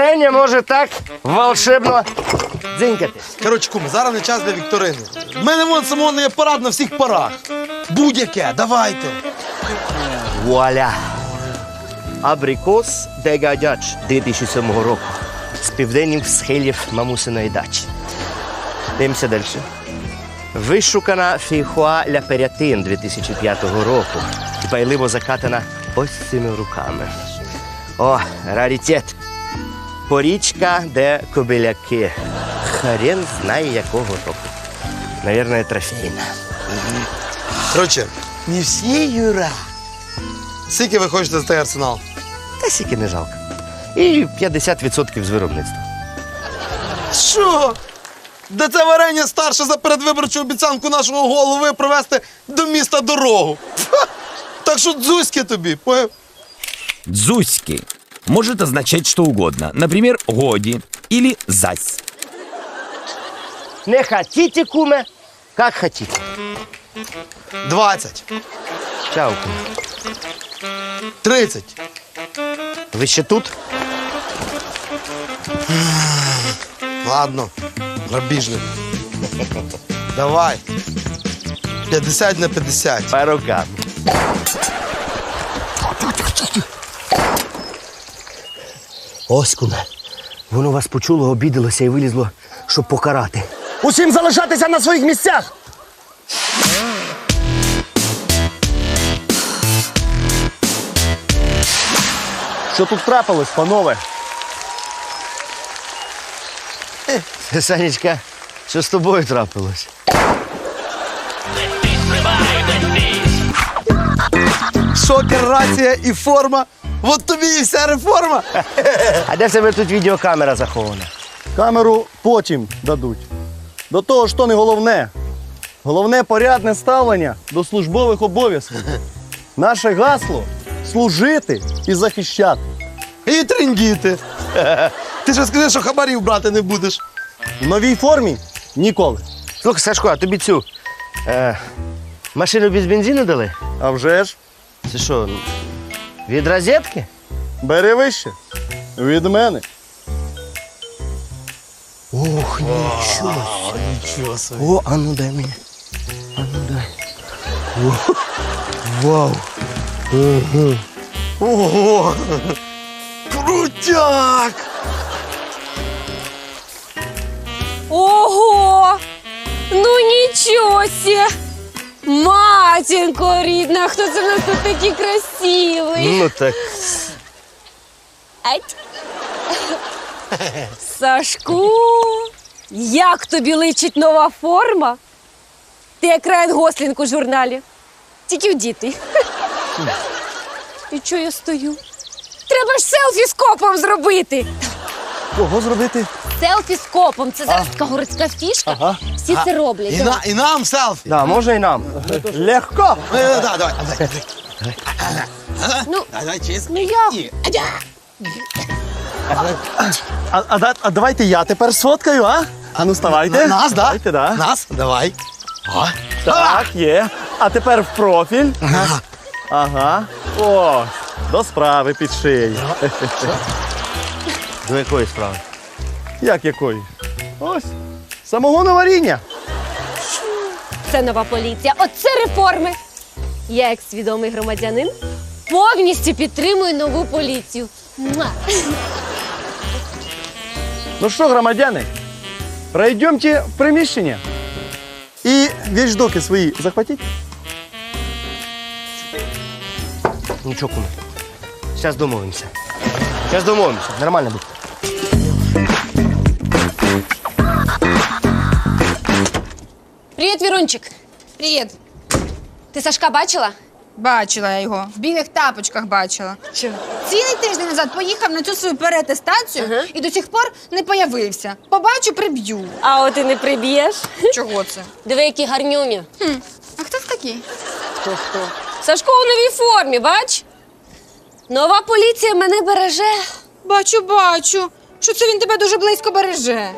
варення може так волшебно дзинькати. Коротше, куме, зараз не час для вікторини. В мене вон самогонний апарат на всіх парах. Будь-яке, давайте. Вуаля! Абрикос Дегадач 2007 року. З південних схилів мамусиної дачі. Дивимося далі. Вишукана фейхоа ля Перятин 2005 року. Дбайливо закатана ось цими руками. О, раритет. Порічка де кобиляки. Хрен знає якого року. Наверное, трофейна. Коротше, не всі, Юра. Скільки ви хочете за цей арсенал? Та сіки не жалко. І 50% з виробництва. Що? Де це варення старше за передвиборчу обіцянку нашого голови провести до міста дорогу? Ха! Так що дзузьки тобі, поняв? Дзуськи может означать что угодно. Например, годи или зась. Не хотите, куме, как хотите. 20. Чао, куме. 30. Ви ще тут? Ладно, грабіжник. Давай. 50 на 50. По рукам. Ось, куме. Воно вас почуло, обідалося і вилізло, щоб покарати. Усім залишатися на своїх місцях! Що тут трапилось, панове? Санечка, що з тобою трапилось? Шокер, рація і форма. От тобі і вся реформа. А де в тебе тут відеокамера захована? Камеру потім дадуть. До того ж, то не головне. Головне порядне ставлення до службових обов'язків. Наше гасло служити і захищати. І трендіти. Ти ж скажи, що хабарів брати не будеш. В новій формі ніколи. Слухай, Сашко, а тобі цю машину без бензину дали? А вже ж, Це що, від розетки? бери вище. Від мене. Ох, нічого. Нічого собі. О, а ну дай мені. А ну дай. О, вау. Ого! Крутяк! Ого! Ну нічого сі! Матінко рідна, хто це в нас тут такий красивий? Ну так. Ать. Сашку, як тобі личить нова форма? Ти як Райан Гослінг у журналі. Тільки вдітий. І чого я стою? Треба ж селфі з копом зробити. Кого зробити? Селфі з копом. Це зараз така городська фішка. Ага. Всі це роблять. І нам селфі. Да, можна і нам. Легко. Давай. Ну, Давай, чесно. ну як? А давайте я тепер сфоткаю, а? А ну вставайте. Нас, да? Давайте, да. Нас? Давай. О. Так, є. А тепер в профіль. Ага. О, до справи під шиєю. До якої справи? Як якої? Ось. Самогоноваріння. Це нова поліція. Оце реформи. Я, як свідомий громадянин, повністю підтримую нову поліцію. Муа. Ну що, громадяни, пройдемте в приміщення. І вещдоки свої захватіть. Нічого, куме. Зараз домовимося. Нормально буде. Привіт, Вірунчик. Привіт. Ти Сашка бачила? Бачила я його. В білих тапочках бачила. Чого? Цілий тиждень назад поїхав на цю свою переатестацію і до сих пор не появився. Побачу, приб'ю. А от і не приб'єш. Чого це? Диви, які гарнюні. А хто це такий? Хто? Сашко у новій формі, бач? Нова поліція мене береже. Бачу. Що це він тебе дуже близько береже.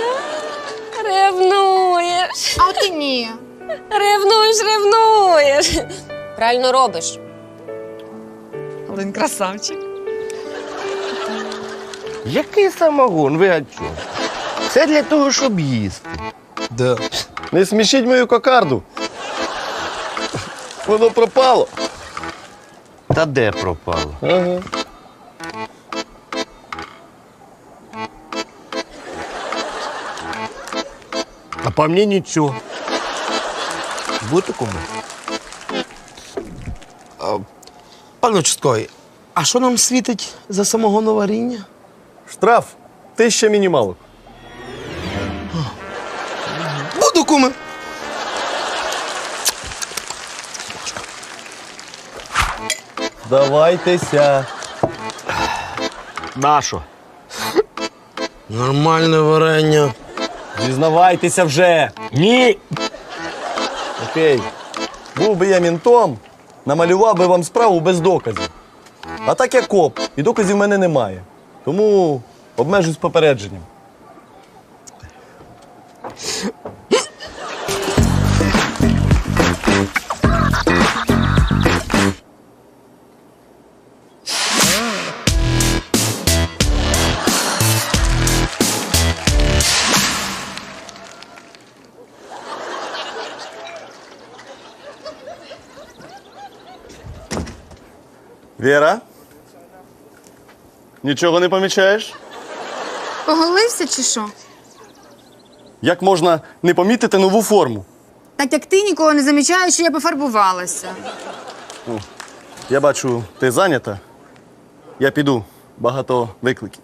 Ревнуєш. А от і ні. Ревнуєш. Правильно робиш. Але він красавчик. Який самогон? Ви о чому? Це для того, щоб їсти. Да. Не смішіть мою кокарду. Воно пропало. Та де пропало? Ага. А по мені нічого. Будете куми? Пане участковий, а що нам світить за самогоноваріння? Штраф 1000 мінімалок. Буду, куме. Давайтеся. Нащо? Нормальне варення. Зізнавайтеся вже. Ні. Окей. Був би я мінтом, намалював би вам справу без доказів. А так я коп, і доказів в мене немає. Тому обмежусь попередженням. Віра? Нічого не помічаєш? Поголився чи що? Як можна не помітити нову форму? Так як ти нікого не замічаєш, що я пофарбувалася. Я бачу, ти зайнята. Я піду. Багато викликів.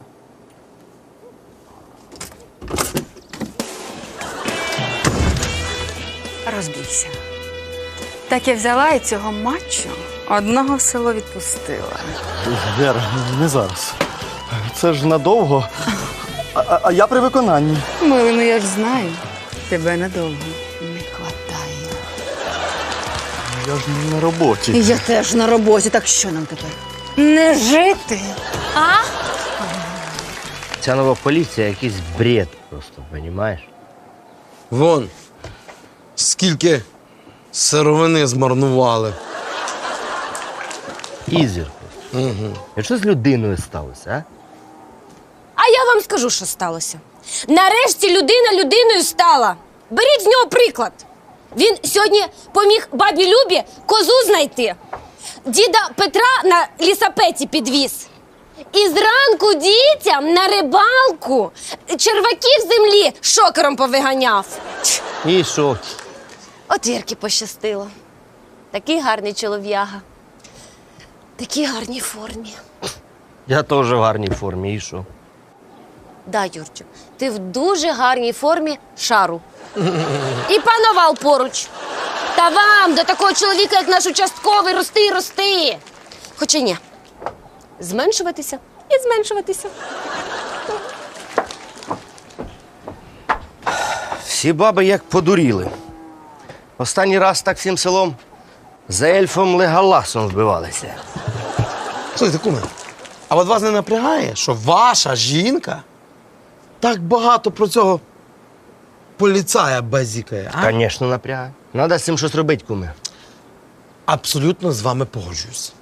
Розбійся. Так я взяла і цього матчу одного в село відпустила. Віра, не зараз. Це ж надовго. А я при виконанні. Милий, ну я ж знаю, тебе надовго не хватає. Я ж не на роботі. Я теж на роботі, так що нам тепер? Не жити. А? Ця нова поліція якийсь бред просто, розумієш? Вон, скільки сировини змарнували. Ізір. А що з людиною сталося, а? А я вам скажу, що сталося. Нарешті людина людиною стала. Беріть з нього приклад. Він сьогодні поміг бабі Любі козу знайти. Діда Петра на лісапеті підвіз. І зранку дітям на рибалку черваків з землі шокером повиганяв. І що? От Вірки пощастило. Такий гарний чолов'яга. Такій гарній формі. Я теж в гарній формі, і що? Да, Юрчик, ти в дуже гарній формі шару. І пановал поруч. Та вам, до такого чоловіка, як наш участковий, рости і рости. Хоча ні. Зменшуватися і зменшуватися. Всі баби як подуріли. Останній раз так всім селом за ельфом Леголасом вбивалися. Слухайте, куме, а от вас не напрягає, що ваша жінка так багато про цього поліцая базікає, а? Звісно, напрягає. Надо з цим щось робити, куме. Абсолютно з вами погоджуюсь.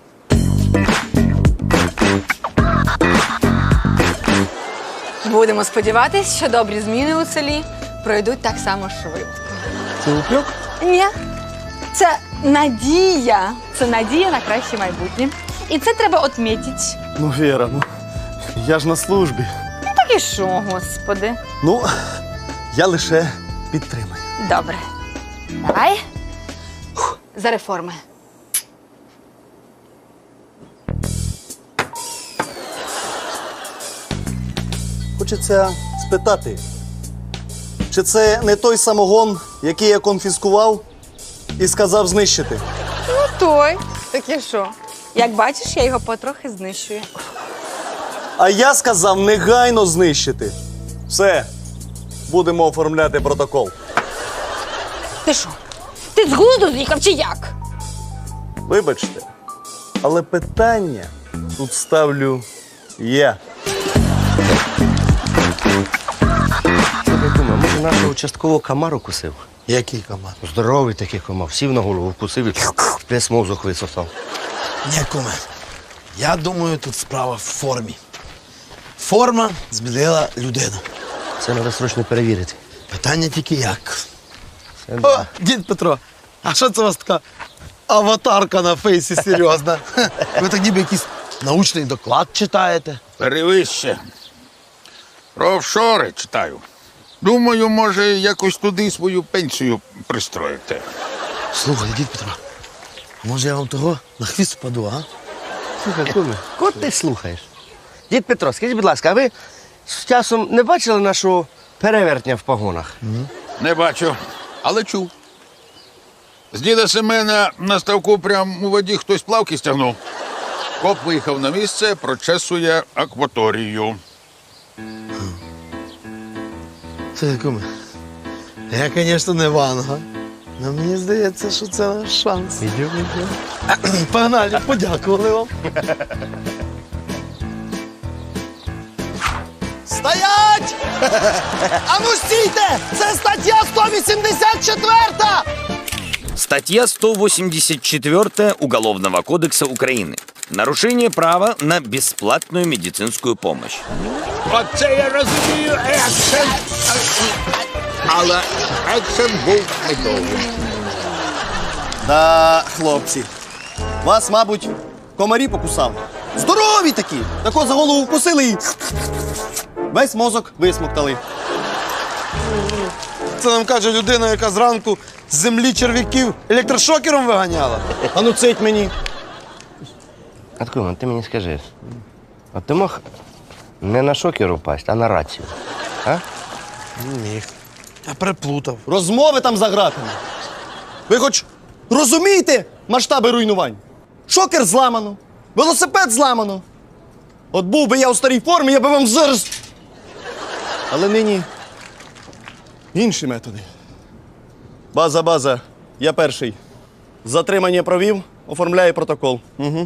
Будемо сподіватись, що добрі зміни у селі пройдуть так само швидко. Це упрек? Ні. Це надія. Це надія на краще майбутнє. І це треба отмітити. Ну, Віра, я ж на службі. Так і що, господи? Ну, я лише підтримую. Добре. Давай. За реформи. Хочеться спитати, чи це не той самогон, який я конфіскував і сказав знищити? Ну той. Так і що? Як бачиш, я його потрохи знищую. А я сказав негайно знищити. Все, будемо оформляти протокол. Ти що? Ти з глузду з'їхав чи як? Вибачте, але питання тут ставлю я. Слухай, куме, може нашого участкового комар укусив? Який команд? Здоровий такий комар, сів на голову, вкусив і весь мозок висосав. Ні, куме. Я думаю, тут справа в формі. Форма змінила людину. Це треба срочно перевірити. Питання тільки як. О, дід Петро, а що це у вас така аватарка на фейсі серйозна? Ви так ніби якийсь научний доклад читаєте. Перевище. Про офшори читаю. Думаю, може, якось туди свою пенсію пристроїти. Слухай, дід Петро, може я вам того на хвіст впаду, а? Слухай, куме, кого ти слухаєш? Дід Петро, скажіть, будь ласка, а ви з часом не бачили нашого перевертня в погонах? Не бачу, але чув. З діда Семена на ставку прямо у воді хтось плавки стягнув. Коп виїхав на місце, прочесує акваторію. Це куме, я, звісно, не ванга. Але мені здається, що це наш шанс. Погнали, подякували вам. Стоять! А ну стійте! Це стаття 184! Статья 184 Уголовного кодекса Украины. Нарушение права на бесплатную медицинскую помощь. Оце я розумію, екшен. Але екшен був недовгим. Да, хлопці. Вас, мабуть, комарі покусали. Здорові такі! Тако за голову вкусили і весь мозок висмоктали. Це нам каже людина, яка зранку з землі черв'яків електрошокером виганяла. А ну цить мені. От куме, ти мені скажи, от ти мог не на шокер упасть, а на рацію? А? Міг. Я переплутав. Розмови там за ґратами. Ви хоч розумієте масштаби руйнувань? Шокер зламано, велосипед зламано. От був би я у старій формі, я би вам зараз. Але нині інші методи. База, я перший. Затримання провів, оформляю протокол. Угу.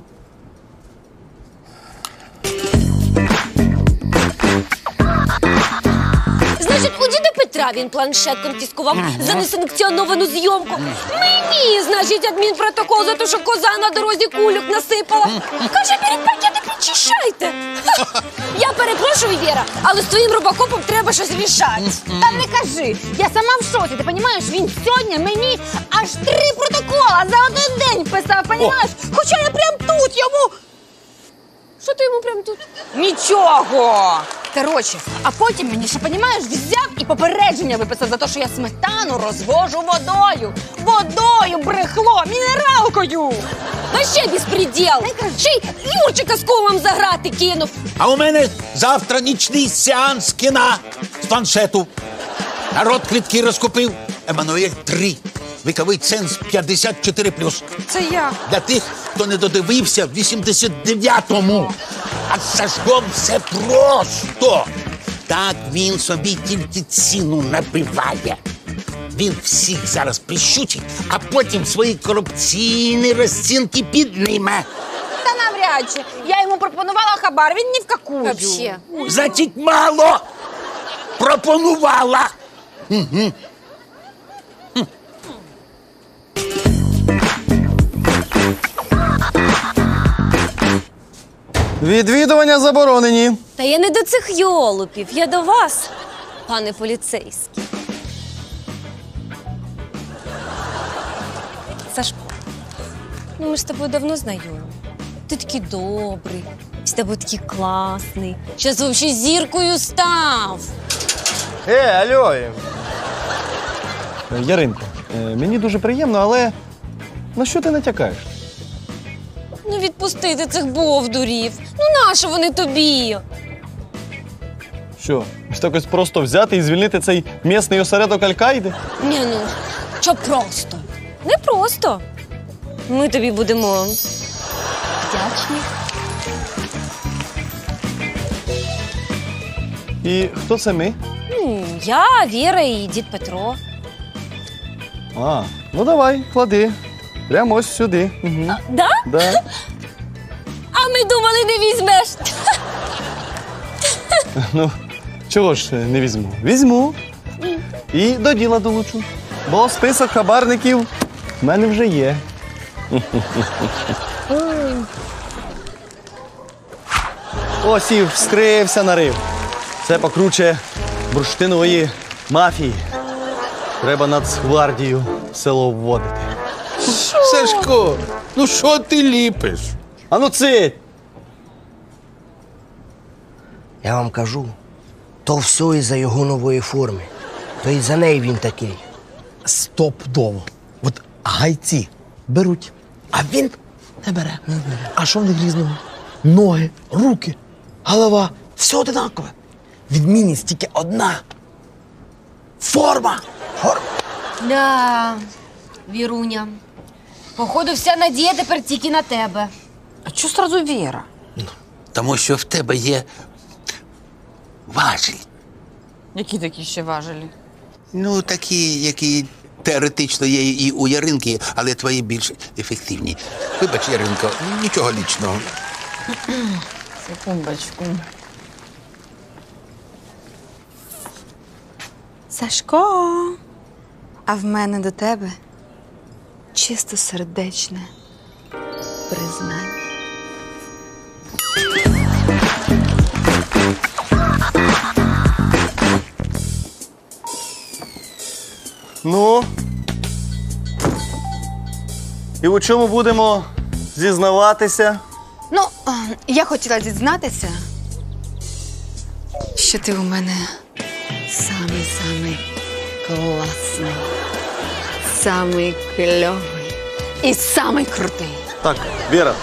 Значить, у діда Петра він планшет конфіскував за несанкціоновану зйомку. Мені, значить, адмінпротокол за те, що коза на дорозі кульок насипала. Каже, беріть пакети, підчищайте. Ха! Я перепрошую, Віра, але з твоїм робокопом треба щось рішати. Та не кажи, я сама в шоці, ти розумієш, він сьогодні мені аж 3 протокола за один день писав, розумієш? Хоча я прям тут йому... Що ти йому прям тут? Нічого! Коротше, а потім мені ще, розумієш, взяв і попередження виписав за те, що я сметану розвожу водою. Водою, брехло, мінералкою! А ще безпреділ! Ще й Юрчика з комом заграти кинув. А у мене завтра нічний сеанс кіна з планшету. Народ квитки розкупив. Еммануель 3. Віковий ценз 54+. Це я. Для тих, хто не додивився в 89-му. А з Сашком все просто. Так він собі тільки ціну набиває. Він всіх зараз прищучить, а потім свої корупційні розцінки підніме. Та навряд чи. Я йому пропонувала хабар, він ні в какую. Вообще. Значить, мало пропонувала. Відвідування заборонені. Та я не до цих йолупів, я до вас, пане поліцейський. Сашко, ну ми ж з тобою давно знайомі. Ти такий добрий, з тобою такий класний. Щас взагалі зіркою став. Алло. Яринко, мені дуже приємно, але на що ти натякаєш? Ну відпусти цих бовдурів. Ну нащо вони тобі? Що, ось так ось просто взяти і звільнити цей місний осередок Аль-Каїди? Ні, ну, що просто? Не просто. Ми тобі будемо вдячні. І хто це ми? Я, Віра і дід Петро. А, ну давай, клади. Прямо ось сюди. Угу. Да? Да. А ми думали, не візьмеш. Ну, чого ж не візьму? Візьму. І до діла долучу. Бо список хабарників в мене вже є. Ось і вскрився нарив. Це покруче бурштинової мафії. Треба Нацгвардію в село вводити. Сашко, ну що ти ліпиш? А ну цить! Я вам кажу, то все із-за його нової форми. То із-за неї він такий. Стопудово. От гайці беруть, а він не бере. А що в них різного? Ноги, руки, голова, все одинакове. Відмінність тільки одна. Форма. Да, Віруня. Походу, вся надія тепер тільки на тебе. А чого сразу Віра? Тому що в тебе є важіль. Які такі ще важелі? Ну, такі, які теоретично є і у Яринки, але твої більш ефективні. Вибач, Яринко, нічого лічного. Секундочку. Сашко, а в мене до тебе чистосердечне признання. Ну. І у чому будемо зізнаватися? Ну, я хотіла дізнатися, що ти у мене самий-самий класний, самий кльовий і самий крутий. Так, Віра.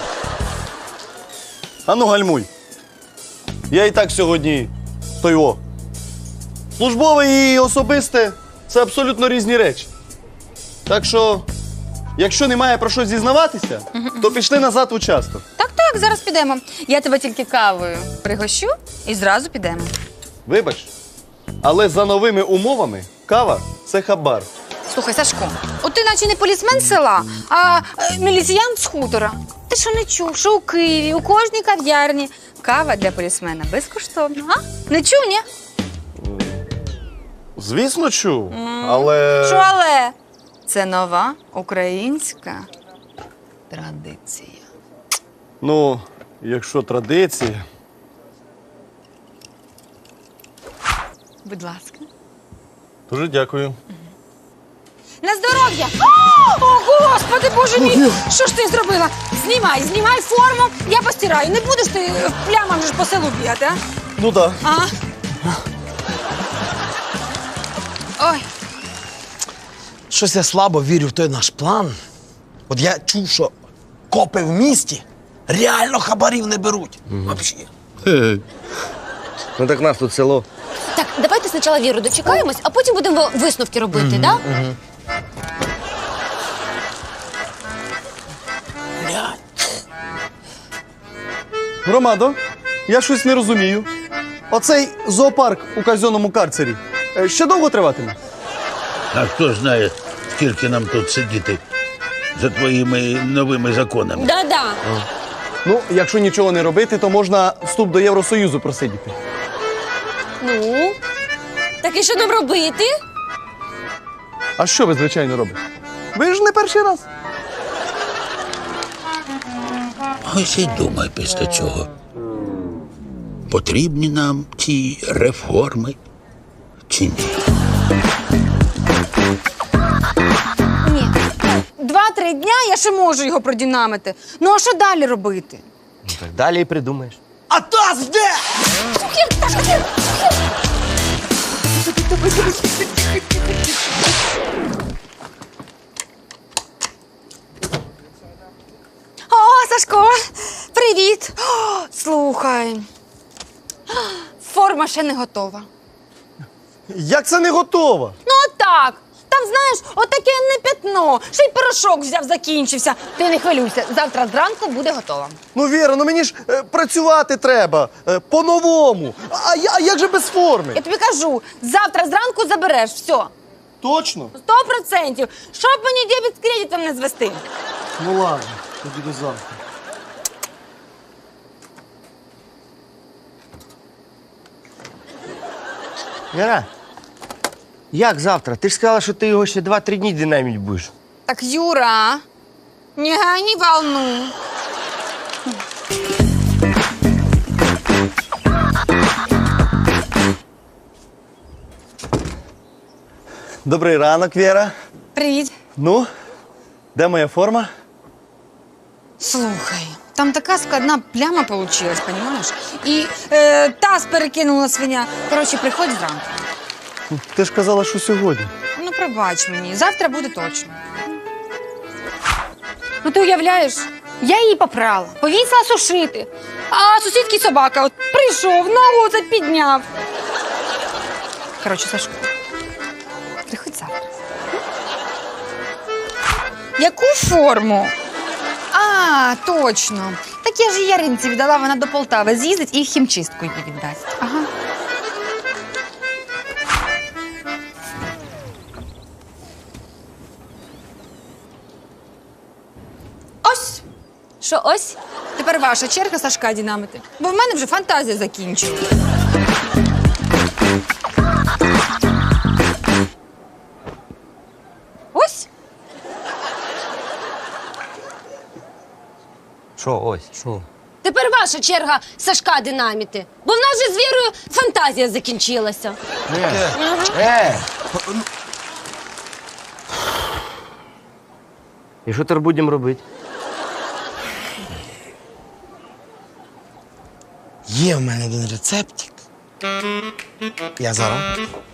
Ану гальмуй. Я і так сьогодні той о. Службове і особисте це абсолютно різні речі. Так що, якщо немає про що зізнаватися, то пішли назад в участок. Так, зараз підемо. Я тебе тільки кавою пригощу і зразу підемо. Вибач, але за новими умовами кава це хабар. Слухай, Сашко, от ти наче не полісмен з села, а міліціянт з хутора. Ти що не чув, що у Києві, у кожній кав'ярні кава для полісмена безкоштовна, а? Не чув, ні? Звісно, чув, але... Що але? Це нова українська традиція. Ну, якщо традиція... Будь ласка. Дуже дякую. На здоров'я! О, Господи, Боже мій! Що ж ти зробила? Знімай форму, я постираю. Не будеш ти в плямах ж по селу бігати, а? Ну так. А? Ой, Щось я слабо вірю в той наш план. От я чув, що копи в місті реально хабарів не беруть. Взагалі. Ну так нас тут село. Так, давайте спочатку Віру дочекаємось, а потім будемо висновки робити, да? Громадо, я щось не розумію. Оцей зоопарк у казенному карцері ще довго триватиме? А хто знає, скільки нам тут сидіти за твоїми новими законами? Да-да. Ну, якщо нічого не робити, то можна вступ до Євросоюзу просидіти. Ну, так і що нам робити? А що ви, звичайно, робите? Ви ж не перший раз. Ось і думай після цього. Потрібні нам ці реформи чи ні? ні. 2-3 дня я ще можу його продинамити. Ну, а що далі робити? Так далі і придумаєш. А таз де? О, Сашко, привіт. О, слухай. Форма ще не готова. Як це не готово? Ну, отак. Там, знаєш, отаке не пятно. Ще й порошок взяв, закінчився. Ти не хвилюйся, завтра зранку буде готова. Ну, Віра, ну мені ж працювати треба. По-новому. А як же без форми? Я тобі кажу, завтра зранку забереш, все. Точно? 100%. Щоб мені дебіт з кредитом не звести. Ну ладно, тоді до завтра. Віра, як завтра? Ти ж сказала, що ти його ще 2-3 дні динаміть будеш. Так, Юра, не гони волну. Добрий ранок, Віра. Привіт. Ну, де моя форма? Слухай, там така складна пляма получилась, понимаешь? І таз перекинула свиня. Коротше, приходь зранку. Ти ж казала, що сьогодні. Ну, пробач мені, завтра буде точно. Ну, ти уявляєш, я її попрала, повісила сушити. А сусідський собака от прийшов, ногу це підняв. Коротше, Сашко, приходь завтра. Яку форму? А, точно. Так я ж її Яринці віддала, вона до Полтави з'їздить і в хімчистку її віддасть. Ага. Ось. Що ось? Тепер ваша черга Сашка дінамити. Бо в мене вже фантазія закінчилась. Ось? Що ось? Що? Тепер ваша черга Сашка динаміти. Бо в нас же з Вірою фантазія закінчилася. І що тепер будемо робити? Є в мене один рецептик. Я зараз.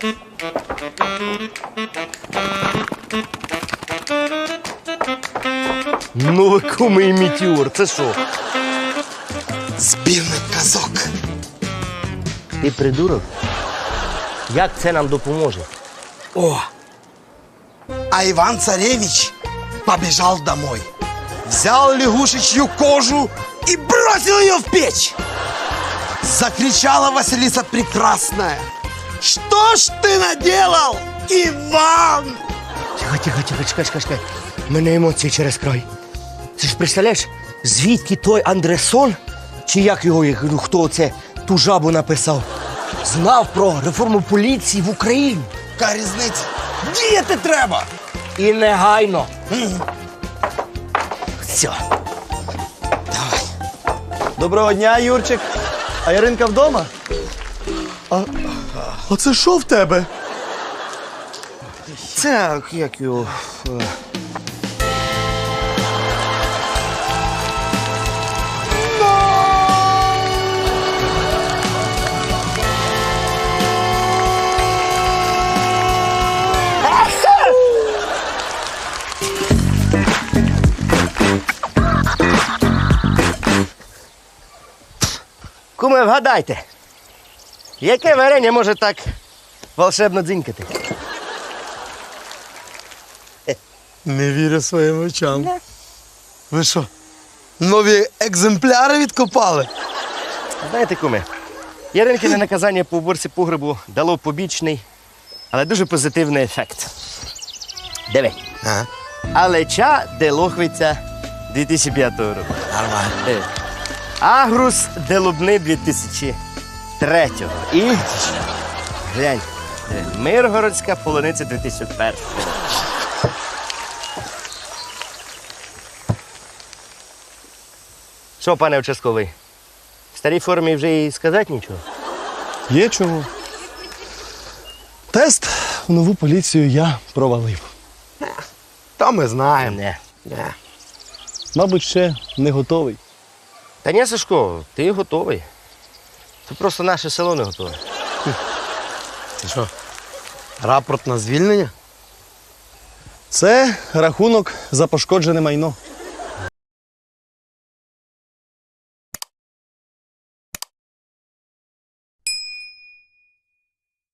Ну ви куми і метеор, це що? Збірник казок. Ти придурок? Як це нам допоможе? О! А Иван-царевич побежал домой. Взял лягушечью кожу и бросил ее в печь. Закричала Василиса Прекрасная. Что ж ты наделал, Иван? Чекай. У мене емоції через край. Ти ж представляєш, звідки той Андресон, чи як його, ну, хто це, ту жабу написав, знав про реформу поліції в Україні. Яка різниця? Діяти треба. І негайно. Все. Давай. Доброго дня, Юрчик. А Яринка вдома? А це що в тебе? Це як його. Куме, вгадайте, яке варення може так волшебно дзинькати? Не вірю своїм очам. Ви що, нові екземпляри відкопали? Знаєте, куме, Яринкине наказання по уборці погребу дало побічний, але дуже позитивний ефект. Диви. Ага. Алеча де Лохвиця 2005 року. Нормально. Агрус де Лубни 2003. І глянь, Миргородська полуниця 2001. Що, пане участковий, в старій формі вже і сказати нічого? Є чого. Тест в нову поліцію я провалив. Та ми знаємо. Не. Мабуть, ще не готовий. Та ні, Сашко, ти готовий. Це просто наше село не готове. Ти що, рапорт на звільнення? Це рахунок за пошкоджене майно.